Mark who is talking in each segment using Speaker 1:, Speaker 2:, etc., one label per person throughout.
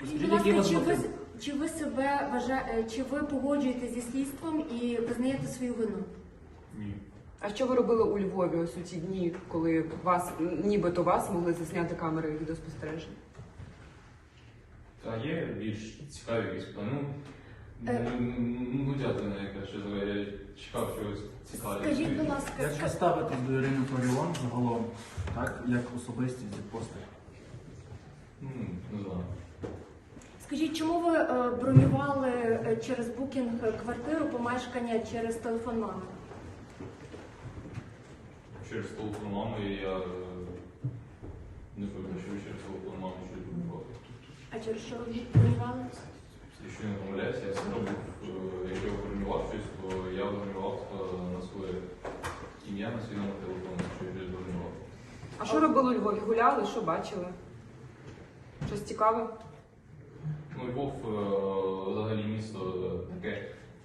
Speaker 1: Скажіть, будь ласка, чи ви погоджуєтеся зі слідством і визнаєте свою вину?
Speaker 2: Ні.
Speaker 3: А що ви робили у Львові ось у ці дні, коли нібито вас могли засняти камери відеоспостереження?
Speaker 2: Та є більш цікаві якісь плани. Ну, дякую, яка що я чекав чогось цікавого.
Speaker 1: Скажіть, будь ласка,
Speaker 4: Як ви ставитесь до Ірини Фаріон загалом, так, як особистість і постать?
Speaker 2: Не знаю.
Speaker 1: скажіть, чому ви бронювали через букінг квартиру, помешкання через телефон мами?
Speaker 2: Через телефон мами я не пам'ятаю, що через телефон мами щось було.
Speaker 1: А через що ви бронювали?
Speaker 2: Якщо не помиляюся, я спробував, якщо я бронював щось, то я бронював на своє ім'я, на свій номер телефону, що я щось бронював.
Speaker 3: А що робили у Львові? Гуляли? Що бачили? Щось цікаве?
Speaker 2: Ну, Львов взагалі місто таке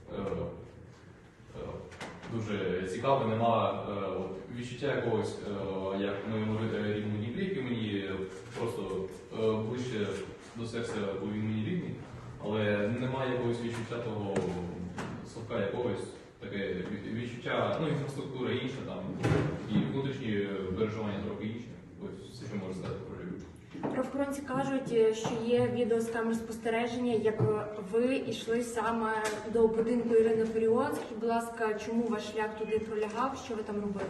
Speaker 2: дуже цікаве, нема відчуття якогось, як в моєму рідному Дніпрі, який мені просто ближче до серця, бо він мені рідний, але немає якогось відчуття того совка якогось, таке відчуття, ну, інфраструктура інша, там, і внутрішні переживання трохи інші. Ось все, що можу сказати про Львів.
Speaker 1: Правоохоронці кажуть, що є відео з камер спостереження, як ви йшли саме до будинку Ірини Фаріон. Скажіть, будь ласка, чому ваш шлях туди пролягав, що ви там робили?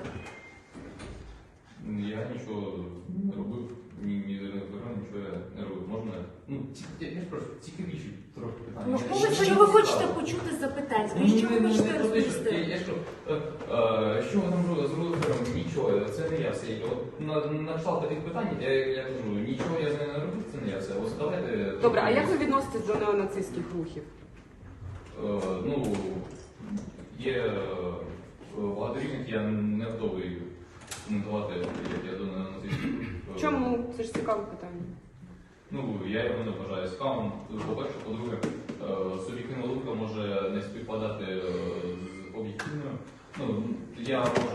Speaker 2: Я нічого не робив, ні з Іриною Фаріон, нічого я не робив. Можна? Ну, я прошу, цікавіші трохи питання.
Speaker 1: Що ви хочете почути з запитань? Скажіть, що ви хочете розповісти?
Speaker 2: Я що ви там зробили Фаріон? Нічого, це не я все. На кшталт таких питань, я кажу, нічого я з нею не робив, це не я все. Ось давайте...
Speaker 3: Добре, а як ви відноситесь до неонацистських рухів?
Speaker 2: Ну, є багато різних, я не готовий коментувати, як я до неонацистських рухів.
Speaker 3: Чому? Це ж цікаве питання.
Speaker 2: Ну, я його не вважаю цікавим. По-перше, по-друге, суб'єктивна думка може не співпадати з об'єктивною. Ну, я можу